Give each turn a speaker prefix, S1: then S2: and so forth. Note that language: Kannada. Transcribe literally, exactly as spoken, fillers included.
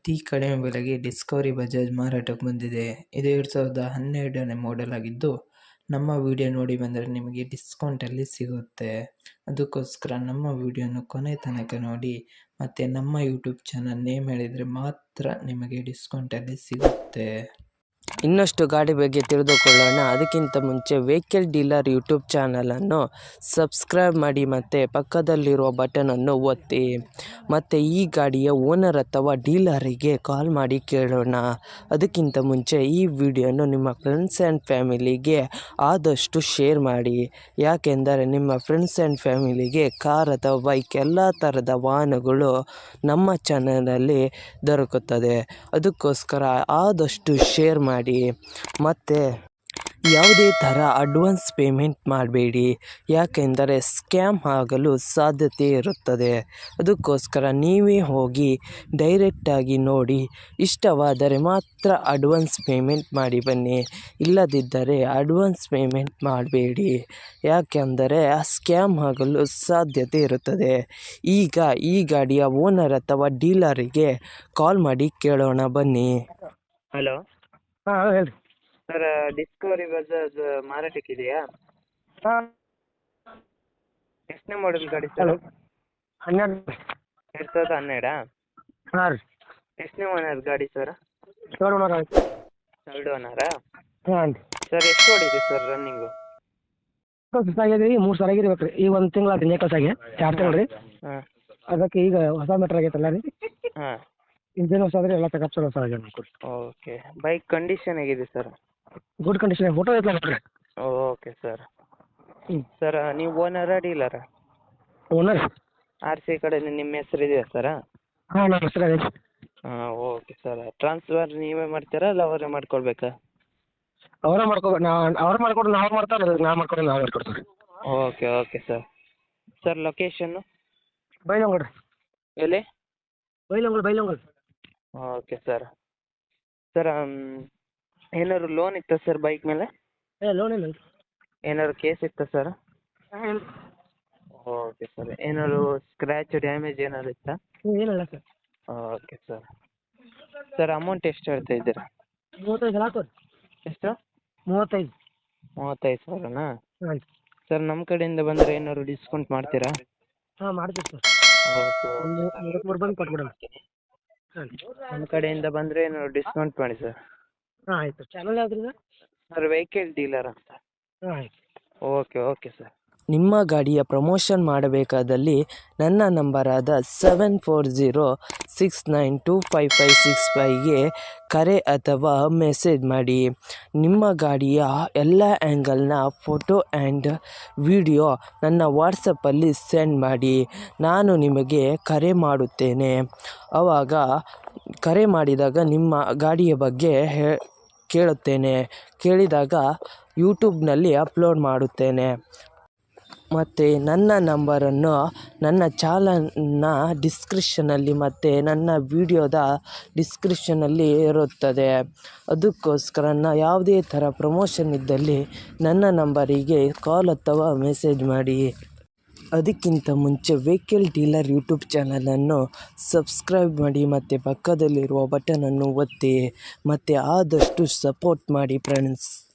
S1: ಅತಿ ಕಡಿಮೆ ಬೆಲೆಗೆ ಡಿಸ್ಕವರಿ ಬಜಾಜ್ ಮಾರಾಟಕ್ಕೆ ಬಂದಿದೆ. ಇದು ಎರಡು ಸಾವಿರದ ಹನ್ನೆರಡನೇ ಮಾಡೆಲ್ ಆಗಿದ್ದು, ನಮ್ಮ ವಿಡಿಯೋ ನೋಡಿ ಬಂದರೆ ನಿಮಗೆ ಡಿಸ್ಕೌಂಟಲ್ಲಿ ಸಿಗುತ್ತೆ. ಅದಕ್ಕೋಸ್ಕರ ನಮ್ಮ ವಿಡಿಯೋನ ಕೊನೆ ತನಕ ನೋಡಿ, ಮತ್ತು ನಮ್ಮ ಯೂಟ್ಯೂಬ್ ಚಾನಲ್ ನೇಮ್ ಹೇಳಿದರೆ ಮಾತ್ರ ನಿಮಗೆ ಡಿಸ್ಕೌಂಟಲ್ಲಿ ಸಿಗುತ್ತೆ.
S2: ಇನ್ನಷ್ಟು ಗಾಡಿ ಬಗ್ಗೆ ತಿಳಿದುಕೊಳ್ಳೋಣ. ಅದಕ್ಕಿಂತ ಮುಂಚೆ ವೆಹಿಕಲ್ ಡೀಲರ್ ಯೂಟ್ಯೂಬ್ ಚಾನಲನ್ನು ಸಬ್ಸ್ಕ್ರೈಬ್ ಮಾಡಿ ಮತ್ತು ಪಕ್ಕದಲ್ಲಿರುವ ಬಟನನ್ನು ಒತ್ತಿ. ಮತ್ತು ಈ ಗಾಡಿಯ ಓನರ್ ಅಥವಾ ಡೀಲರಿಗೆ ಕಾಲ್ ಮಾಡಿ ಕೇಳೋಣ. ಅದಕ್ಕಿಂತ ಮುಂಚೆ ಈ ವಿಡಿಯೋನು ನಿಮ್ಮ ಫ್ರೆಂಡ್ಸ್ ಆ್ಯಂಡ್ ಫ್ಯಾಮಿಲಿಗೆ ಆದಷ್ಟು ಶೇರ್ ಮಾಡಿ. ಯಾಕೆಂದರೆ ನಿಮ್ಮ ಫ್ರೆಂಡ್ಸ್ ಆ್ಯಂಡ್ ಫ್ಯಾಮಿಲಿಗೆ ಕಾರ್ ಅಥವಾ ಬೈಕ್ ಎಲ್ಲ ಥರದ ವಾಹನಗಳು ನಮ್ಮ ಚಾನಲಲ್ಲಿ ದೊರಕುತ್ತದೆ. ಅದಕ್ಕೋಸ್ಕರ ಆದಷ್ಟು ಶೇರ್ ಮಾಡಿ. ಮತ್ತು ಯಾವುದೇ ಥರ ಅಡ್ವಾನ್ಸ್ ಪೇಮೆಂಟ್ ಮಾಡಬೇಡಿ, ಯಾಕೆಂದರೆ ಸ್ಕ್ಯಾಮ್ ಆಗಲು ಸಾಧ್ಯತೆ ಇರುತ್ತದೆ. ಅದಕ್ಕೋಸ್ಕರ ನೀವೇ ಹೋಗಿ ಡೈರೆಕ್ಟಾಗಿ ನೋಡಿ, ಇಷ್ಟವಾದರೆ ಮಾತ್ರ ಅಡ್ವಾನ್ಸ್ ಪೇಮೆಂಟ್ ಮಾಡಿ ಬನ್ನಿ. ಇಲ್ಲದಿದ್ದರೆ ಅಡ್ವಾನ್ಸ್ ಪೇಮೆಂಟ್ ಮಾಡಬೇಡಿ, ಯಾಕೆಂದರೆ ಸ್ಕ್ಯಾಮ್ ಆಗಲು ಸಾಧ್ಯತೆ ಇರುತ್ತದೆ. ಈಗ ಈ ಗಾಡಿಯ ಓನರ್ ಅಥವಾ ಡೀಲರಿಗೆ ಕಾಲ್ ಮಾಡಿ ಕೇಳೋಣ ಬನ್ನಿ.
S3: ಹಲೋ
S4: ಹಾಂ ಹೇಳಿ
S3: ಸರ್, ಡಿಸ್ಕವರಿ ಬಜಾಜ್ ಮಾರಾಟಕ್ಕಿದೆಯಾ?
S4: ಹಾಂ
S3: ಎಷ್ಟನೇ ಮಾಡೆಲ್ ಗಾಡಿ ಸರ್?
S4: ಹಲೋ ಹನ್ನೆರಡು
S3: ಎರಡು ಸಾವಿರದ ಹನ್ನೆರಡಾ?
S4: ಹಾಂ ರೀ
S3: ಎಷ್ಟನೇ ಓನರ್ ಗಾಡಿ ಸರ್?
S4: ಏಳು ನೂರ ಆಯ್ತು.
S3: ಎರಡು ಓನರಾ?
S4: ಹಾಂ ರೀ
S3: ಸರ್ ಎಷ್ಟು ಓಡಿದೆ ಸರ್ ರನ್ನಿಂಗು?
S4: ಕೆಲಸ ಆಗಿದೆ ರೀ, ಮೂರು ಸಾವಿರ ಆಗಿರ್ಬೇಕು ರೀ. ಈಗ ಒಂದು ತಿಂಗಳು ಆಯ್ತು ನೇ ಕೆಲಸ ಆಗಿ ಎರಡು ತಿಂಗಳು ರೀ.
S3: ಹಾಂ
S4: ಅದಕ್ಕೆ ಈಗ ಹೊಸ ಮೀಟ್ರ್ ಆಗೈತಲ್ಲ ರೀ,
S3: ಹಾಂ
S4: ಇಂಜಿನ್ ಹೊಸ ಆದ್ರೆ ಎಲ್ಲ ಚೆಕಪ್ ಚಲೋ ಹೊಸ ಆಗ್ಯಾವ ನೋಡ್ರಿ.
S3: ಓಕೆ. ಬೈಕ್ ಕಂಡೀಷನ್ ಹೇಗಿದೆ ಸರ್?
S4: ಗುಡ್ ಕಂಡೀಷನ್, ಫೋಟೋ ಐತಲ್ಲ ನೋಡ್ರಿ.
S3: Okay sir.
S4: ಹ್ಞೂ
S3: ಸರ್ ನೀವು ಓನರಾ ಡೀಲರಾ?
S4: ಓನರ್
S3: ಆರ್ ಸಿ ಕಡೆ ನಿಮ್ಮ ಹೆಸರು ಇದೆಯಾ ಸರ?
S4: ಹಾಂ ನಮ್ಮ ಹೆಸರು ಅದೇ.
S3: ಹಾಂ ಓಕೆ ಸರ್. ಟ್ರಾನ್ಸ್ಫರ್ ನೀವೇ ಮಾಡ್ತೀರಾ ಅಲ್ಲ ಅವರೇ ಮಾಡ್ಕೊಳ್ಬೇಕಾ?
S4: ಅವರೇ ಮಾಡ್ಕೋಬೇಕು. ನಾ ಅವ್ರು ಮಾಡ್ಕೊಡ್ರಿ, ನಾವು ಮಾಡ್ತಾರೆ, ನಾವು ಮಾಡ್ಕೊಡ್ರಿ, ನಾವು ಮಾಡ್ಕೊಡ್ತೀವಿ.
S3: Okay okay sir. Sir location?
S4: Bailhongal ರೀ.
S3: ಎಲ್ಲಿ?
S4: Bailhongal Bailhongal
S3: okay sir. Sir ಏನಾದ್ರು ಲೋನ್ ಇತ್ತಾ ಸರ್ ಬೈಕ್ ಮೇಲೆ?
S4: ಏ ಲೋನ್ ಇಲ್ಲ ರೀ.
S3: ಏನಾದ್ರು ಕೇಸ್ ಇತ್ತಾ ಸರ್?
S4: ಇಲ್ಲ
S3: ಓಕೆ ಸರ್. ಏನಾದ್ರು ಸ್ಕ್ರ್ಯಾಚ್ ಡ್ಯಾಮೇಜ್ ಏನಾದ್ರು ಇತ್ತಾ?
S4: ಏನಿಲ್ಲ sir.
S3: Okay sir. Sir amount ಎಷ್ಟು ಹೇಳ್ತಾ ಇದ್ದೀರಾ?
S4: ಮೂವತ್ತೈದು ಹಾಕೋ ರೀ.
S3: ಎಷ್ಟು? ಮೂವತ್ತೈದು. ಮೂವತ್ತೈದು ಸಾವಿರನಾ?
S4: ಹಾಂ
S3: ಸರ್ ನಮ್ಮ ಕಡೆಯಿಂದ ಬಂದರೆ ಏನಾದ್ರು ಡಿಸ್ಕೌಂಟ್ ಮಾಡ್ತೀರಾ?
S4: ಹಾಂ ಮಾಡ್ತೀವಿ ಸರ್.
S3: ಓಕೆ
S4: ಒಂದು ಮೂವತ್ತ್ಮೂರು ಬಂದು ಕೊಟ್ಬಿಡೋಣ. ಹಾಂ
S3: ನಮ್ಮ ಕಡೆಯಿಂದ ಬಂದರೆ ಏನಾದ್ರು ಡಿಸ್ಕೌಂಟ್ ಮಾಡಿ ಸರ್.
S4: ಹಾಂ ಆಯಿತು. ಚಾನಲ್ ಯಾವ್ದು ರೀ?
S3: ಸರ್ ವೆಹಿಕಲ್ ಡೀಲರ್ ಅಂತ.
S4: ಹಾಂ ಆಯ್ತು.
S3: Okay okay sir.
S2: ನಿಮ್ಮ ಗಾಡಿಯ ಪ್ರಮೋಷನ್ ಮಾಡಬೇಕಾದಲ್ಲಿ ನನ್ನ ನಂಬರಾದ seven four zero six nine two five five six ಫೈವ್ಗೆ ಕರೆ ಅಥವಾ ಮೆಸೇಜ್ ಮಾಡಿ. ನಿಮ್ಮ ಗಾಡಿಯ ಎಲ್ಲ ಆ್ಯಂಗಲ್ನ ಫೋಟೋ ಆ್ಯಂಡ್ ವಿಡಿಯೋ ನನ್ನ ವಾಟ್ಸಪ್ಪಲ್ಲಿ ಸೆಂಡ್ ಮಾಡಿ. ನಾನು ನಿಮಗೆ ಕರೆ ಮಾಡುತ್ತೇನೆ. ಆವಾಗ ಕರೆ ಮಾಡಿದಾಗ ನಿಮ್ಮ ಗಾಡಿಯ ಬಗ್ಗೆ ಹೇ ಕೇಳುತ್ತೇನೆ. ಕೇಳಿದಾಗ ಯೂಟ್ಯೂಬ್ನಲ್ಲಿ ಅಪ್ಲೋಡ್ ಮಾಡುತ್ತೇನೆ. ಮತ್ತು ನನ್ನ ನಂಬರನ್ನು ನನ್ನ ಚಾನಲ್ನ ಡಿಸ್ಕ್ರಿಪ್ಷನಲ್ಲಿ ಮತ್ತು ನನ್ನ ವಿಡಿಯೋದ ಡಿಸ್ಕ್ರಿಪ್ಷನಲ್ಲಿ ಇರುತ್ತದೆ. ಅದಕ್ಕೋಸ್ಕರ ನಾ ಯಾವುದೇ ಥರ ಪ್ರಮೋಷನ್ ಇದ್ದಲ್ಲಿ ನನ್ನ ನಂಬರಿಗೆ ಕಾಲ್ ಅಥವಾ ಮೆಸೇಜ್ ಮಾಡಿ. ಅದಕ್ಕಿಂತ ಮುಂಚೆ ವೆಹಿಕಲ್ ಡೀಲರ್ ಯೂಟ್ಯೂಬ್ ಚಾನಲನ್ನು ಸಬ್ಸ್ಕ್ರೈಬ್ ಮಾಡಿ ಮತ್ತು ಪಕ್ಕದಲ್ಲಿರುವ ಬಟನನ್ನು ಒತ್ತಿ. ಮತ್ತು ಆದಷ್ಟು ಸಪೋರ್ಟ್ ಮಾಡಿ ಫ್ರೆಂಡ್ಸ್.